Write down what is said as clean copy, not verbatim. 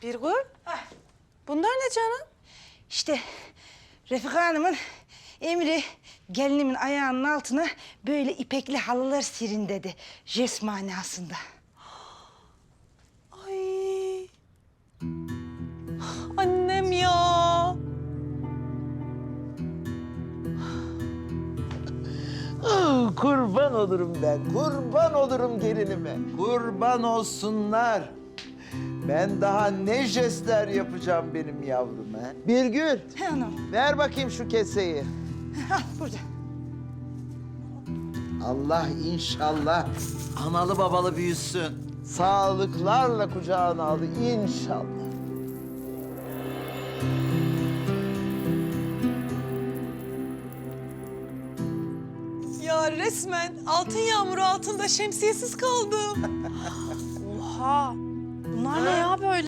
Birgül. Bunlar ne canım? İşte Refika Hanım'ın emri gelinimin ayağının altına böyle ipekli halılar serin dedi. Jest manasında. Ay. Annem ya. Kurban olurum ben, kurban olurum gelinime. Kurban olsunlar. Ben daha ne jestler yapacağım benim yavruma. Birgül, He anam. ver bakayım şu keseyi. Al burada. Allah inşallah analı babalı büyüsün. Sağlıklarla kucağına al inşallah. Ya resmen altın yağmuru altında şemsiyesiz kaldım. Oha. Bunlar ne ya böyle?